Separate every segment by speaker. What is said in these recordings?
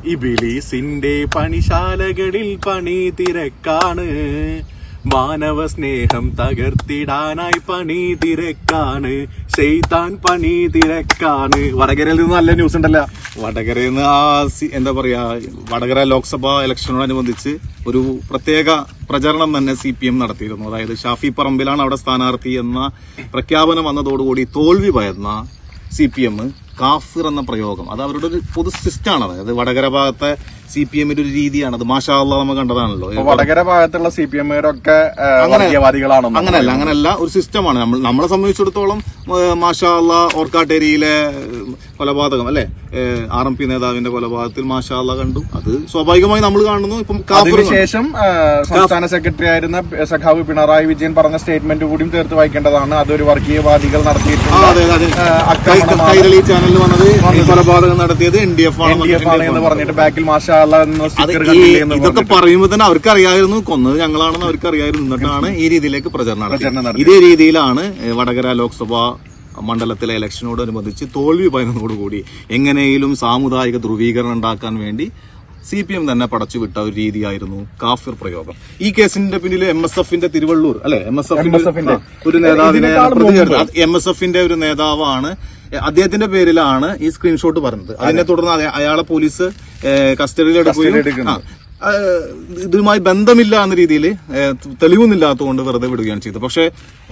Speaker 1: ഇബിലീസിന്റെ പണിശാലകളിൽ പണി തിരക്കാണ്, മാനവ സ്നേഹം തകർത്തിടാനായി പണി തിരക്കാണ്, ശൈത്താൻ പണി തിരക്കാണ്. വടകരയിൽ നിന്ന് നല്ല ന്യൂസ് ഉണ്ടല്ലോ.
Speaker 2: വടകരയിൽ നിന്ന് എന്താ പറയാ, വടകര ലോക്സഭാ ഇലക്ഷനോടനുബന്ധിച്ച് ഒരു പ്രത്യേക പ്രചരണം തന്നെ CPM നടത്തിയിരുന്നു. അതായത് ഷാഫി പറമ്പിലാണ് അവിടെ സ്ഥാനാർത്ഥി എന്ന പ്രഖ്യാപനം വന്നതോടുകൂടി തോൽവി ഭയന്ന CPM കാഫിർ എന്ന പ്രയോഗം, അത് അവരുടെ ഒരു പൊതു സിസ്റ്റാണ്. അതായത് വടകര ഭാഗത്തെ CPMന്റെ ഒരു രീതിയാണ് അത്. മാഷാ അല്ലാഹ് നമ്മൾ കണ്ടതാണല്ലോ.
Speaker 1: വടകര ഭാഗത്തുള്ള CPMകാരൊക്കെ വർഗീയവാദികളാണോ?
Speaker 2: അങ്ങനെയല്ല, ഒരു സിസ്റ്റമാണ്. നമ്മളെ സംബന്ധിച്ചിടത്തോളം മാഷാ അല്ലാഹ് ഓർക്കാട്ടേരിയിലെ കൊലപാതകം അല്ലെ, RMP നേതാവിന്റെ കൊലപാതകത്തിൽ മാഷാ അല്ലാഹ് കണ്ടു. അത് സ്വാഭാവികമായി നമ്മൾ കാണുന്നു. ഇപ്പം
Speaker 1: ശേഷം സംസ്ഥാന സെക്രട്ടറി ആയിരുന്ന സഖാവ് പിണറായി വിജയൻ പറഞ്ഞ സ്റ്റേറ്റ്മെന്റ് കൂടിയും ചേർത്ത് വായിക്കേണ്ടതാണ്. അതൊരു വർഗീയവാദികൾ നടത്തിയിട്ടുണ്ട്.
Speaker 2: കൈരളി ചാനലിൽ വന്നത് കൊലപാതകം നടത്തിയത് NDF ആണ്
Speaker 1: എന്ന് പറഞ്ഞിട്ട് ബാക്കിൽ മാഷാ
Speaker 2: ഇതൊക്കെ പറയുമ്പോൾ തന്നെ അവർക്ക് അറിയായിരുന്നു കൊന്നത് ഞങ്ങളാണെന്ന് അവർക്ക് അറിയായിരുന്നു. എന്നിട്ടാണ് ഈ രീതിയിലേക്ക് പ്രചരണം. ഇതേ രീതിയിലാണ് വടകര ലോക്സഭാ മണ്ഡലത്തിലെ ഇലക്ഷനോടനുബന്ധിച്ച് തോൽവി ഭയന്നതോടുകൂടി എങ്ങനെയും സാമുദായിക ധ്രുവീകരണം ഉണ്ടാക്കാൻ വേണ്ടി CPM തന്നെ പടച്ചുവിട്ട ഒരു രീതിയായിരുന്നു കാഫിർ പ്രയോഗം. ഈ കേസിന്റെ പിന്നിൽ MSFന്റെ തിരുവള്ളൂർ അല്ലെ, MSFന്റെ ഒരു നേതാവിനെ MSFന്റെ ഒരു നേതാവാണ്. അദ്ദേഹത്തിന്റെ പേരിലാണ് ഈ സ്ക്രീൻഷോട്ട് പറഞ്ഞത്. അതിനെ തുടർന്ന് അയാളെ പോലീസ് കസ്റ്റഡിയിലെടുക്കുകയും ഇതുമായി ബന്ധമില്ല എന്ന രീതിയിൽ തെളിവൊന്നുമില്ലാത്തതുകൊണ്ട് വെറുതെ വിടുകയാണ് ചെയ്തത്. പക്ഷെ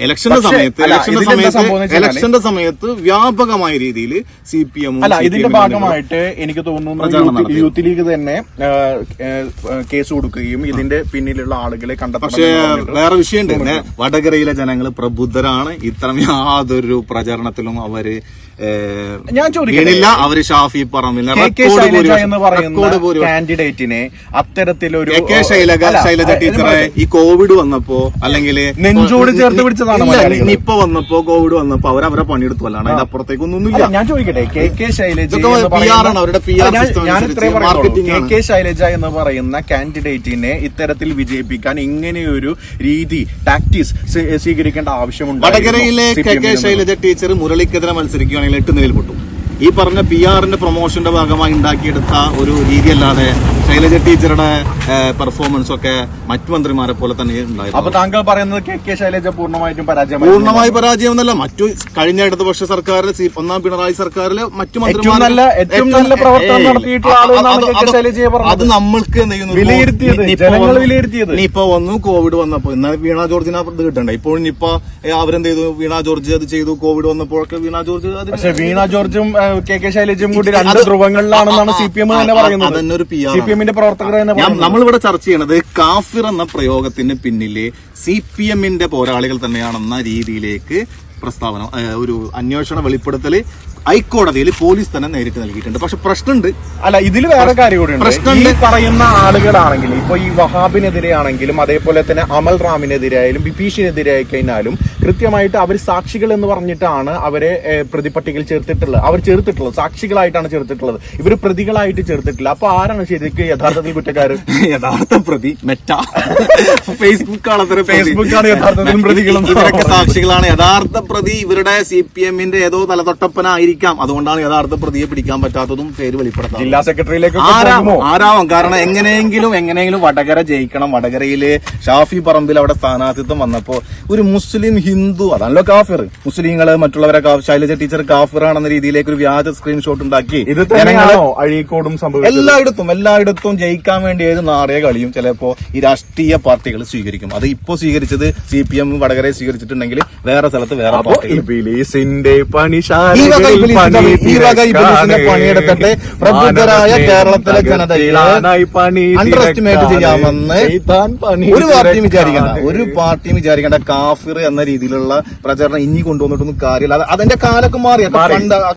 Speaker 2: ഇലക്ഷന്റെ സമയത്ത് വ്യാപകമായ രീതിയിൽ CPM
Speaker 1: ഇതിന്റെ ഭാഗമായിട്ട് എനിക്ക് തോന്നുന്നു യൂത്ത് ലീഗ് തന്നെ കേസ് കൊടുക്കുകയും ഇതിന്റെ പിന്നിലുള്ള ആളുകളെ കണ്ടെത്താൻ.
Speaker 2: പക്ഷേ വേറെ വിഷയമുണ്ട്. വടകരയിലെ ജനങ്ങൾ പ്രബുദ്ധരാണ്. ഇത്തരം യാതൊരു പ്രചരണത്തിലും അവര്
Speaker 1: ഞാൻ ചോദിക്കില്ല.
Speaker 2: അവര് ഷാഫി പറമ്പിൽ
Speaker 1: എന്ന് പറയുന്ന കാൻഡിഡേറ്റിനെ അത്തരത്തിലൊരു
Speaker 2: ശൈലജ ടീച്ചറെ ഈ കോവിഡ് വന്നപ്പോ അല്ലെങ്കിൽ
Speaker 1: നെഞ്ചോട് ചേർത്ത് പിടിച്ചതാണ്.
Speaker 2: നിപ്പ വന്നപ്പോ കോവിഡ് വന്നപ്പോ അവരവരെ പണിയെടുത്തു, അല്ലാണ്ട് അതിന്റെ അപ്പുറത്തേക്കൊന്നുമില്ല.
Speaker 1: ഞാൻ ചോദിക്കട്ടെ, KK ശൈലജ ശൈലജ എന്ന് പറയുന്ന കാൻഡിഡേറ്റിനെ ഇത്തരത്തിൽ വിജയിപ്പിക്കാൻ ഇങ്ങനെയൊരു രീതി ടാക്ടിക്സ് സ്വീകരിക്കേണ്ട ആവശ്യമുണ്ട്.
Speaker 2: വടകരയിലെ KK ശൈലജ ടീച്ചർ മുരളിക്കെതിരെ മത്സരിക്കുകയാണെങ്കിൽ 8 നിലയിൽ പൊട്ടും. ഈ പറഞ്ഞ PR-ന്റെ പ്രൊമോഷന്റെ ഭാഗമായി ഉണ്ടാക്കിയെടുത്ത ഒരു രീതിയല്ലാതെ ശൈലജ ടീച്ചറുടെ പെർഫോമൻസ് ഒക്കെ മറ്റു മന്ത്രിമാരെ പോലെ തന്നെ ഉണ്ടായിരുന്നു.
Speaker 1: അപ്പൊ താങ്കൾ പറയുന്നത് KK ശൈലജ പൂർണ്ണമായും
Speaker 2: പരാജയം എന്നല്ല, മറ്റു കഴിഞ്ഞ ഇടതുപക്ഷ സർക്കാരിലെ ഒന്നാം പിണറായി സർക്കാരിലെ മറ്റു മന്ത്രിമാർ അത് നമ്മൾക്ക് നിപ്പ വന്നു, കോവിഡ് വന്നപ്പോ എന്നാൽ വീണ ജോർജിന് അത് കിട്ടണ്ടേ. ഇപ്പോൾ നിപ്പ അവരെന്ത് ചെയ്തു, വീണ ജോർജ് അത് ചെയ്തു. കോവിഡ് വന്നപ്പോഴൊക്കെ വീണ ജോർജ്
Speaker 1: വീണ ജോർജും KK ശൈലജയും കൂടി 2 ധ്രുവങ്ങളിലാണെന്നാണ് CPM തന്നെ പറയുന്നത്.
Speaker 2: അതന്നൊരു
Speaker 1: CPMന്റെ പ്രവർത്തകർ
Speaker 2: നമ്മളിവിടെ ചർച്ച ചെയ്യണത് കാഫിർ എന്ന പ്രയോഗത്തിന് പിന്നിലെ CPMന്റെ പോരാളികൾ തന്നെയാണെന്ന രീതിയിലേക്ക് പ്രസ്താവന, ഒരു അന്വേഷണ വെളിപ്പെടുത്തല് ഹൈക്കോടതിയിൽ പോലീസ് തന്നെ നേരിട്ട് നൽകിയിട്ടുണ്ട്. പക്ഷെ പ്രശ്നമുണ്ട്.
Speaker 1: അല്ല, ഇതിൽ വേറെ കാര്യം കൂടി ഈ പറയുന്ന ആളുകളാണെങ്കിലും ഇപ്പൊ ഈ വഹാബിനെതിരെ ആണെങ്കിലും അതേപോലെ തന്നെ അമൽ റാമിനെതിരെ ആയാലും ബിപീഷിനെതിരെ ആയി കഴിഞ്ഞാലും കൃത്യമായിട്ട് അവർ സാക്ഷികൾ എന്ന് പറഞ്ഞിട്ടാണ് അവരെ പ്രതിപട്ടികയിൽ ചേർത്തിട്ടുള്ളത്. സാക്ഷികളായിട്ടാണ് ചേർത്തിട്ടുള്ളത്. ഇവർ പ്രതികളായിട്ട് ചേർത്തിട്ടില്ല. അപ്പൊ ആരാണ് ശരിക്കും യഥാർത്ഥത്തിൽ കുറ്റക്കാര്?
Speaker 2: യഥാർത്ഥ പ്രതി ഫേസ്ബുക്കാണ്
Speaker 1: യഥാർത്ഥത്തിൽ പ്രതികളും
Speaker 2: ഇവരൊക്കെ സാക്ഷികളാണ്. യഥാർത്ഥ പ്രതി ഇവരുടെ CPMന്റെ ഏതോ തലതൊട്ടപ്പനായിരിക്കാം. അതുകൊണ്ടാണ് യഥാർത്ഥ പ്രതിയെ പിടിക്കാൻ പറ്റാത്തതും പേര് വെളിപ്പെടുത്താം.
Speaker 1: ജില്ലാ സെക്രട്ടറിയിലേക്ക്
Speaker 2: ആരാവും. കാരണം എങ്ങനെയെങ്കിലും വടകര ജയിക്കണം. വടകരയില് ഷാഫി പറമ്പിൽ അവിടെ സ്ഥാനാർത്ഥിത്വം വന്നപ്പോ ഒരു മുസ്ലിം ഹിന്ദു അതാണല്ലോ കാഫിർ, മുസ്ലിങ്ങള് മറ്റുള്ളവരെ ശൈലജ ടീച്ചർ കാഫിറാണെന്ന രീതിയിലേക്ക് ഒരു വ്യാജ സ്ക്രീൻഷോട്ട് ഉണ്ടാക്കി
Speaker 1: അഴീക്കോടും
Speaker 2: എല്ലായിടത്തും ജയിക്കാൻ വേണ്ടി ഏത് നാടക കളിയും ചിലപ്പോ ഈ രാഷ്ട്രീയ പാർട്ടികൾ സ്വീകരിക്കും. അത് ഇപ്പോ സ്വീകരിച്ചത് CPM വടകരയെ സ്വീകരിച്ചിട്ടുണ്ടെങ്കിൽ വേറെ സ്ഥലത്ത് വേറെ പണിയെടുത്തിട്ട് പ്രബുദ്ധരായ കേരളത്തിലെ ജനതയെ അണ്ടർ എസ്റ്റിമേറ്റ് ചെയ്യാമെന്ന് ഒരു പാർട്ടിയും വിചാരിക്കേണ്ട. കാഫിർ എന്ന രീതിയിലുള്ള പ്രചരണം ഇനി കൊണ്ടുവന്നിട്ടൊന്നും കാര്യമില്ല. അതിന്റെ കാലൊക്കെ മാറി.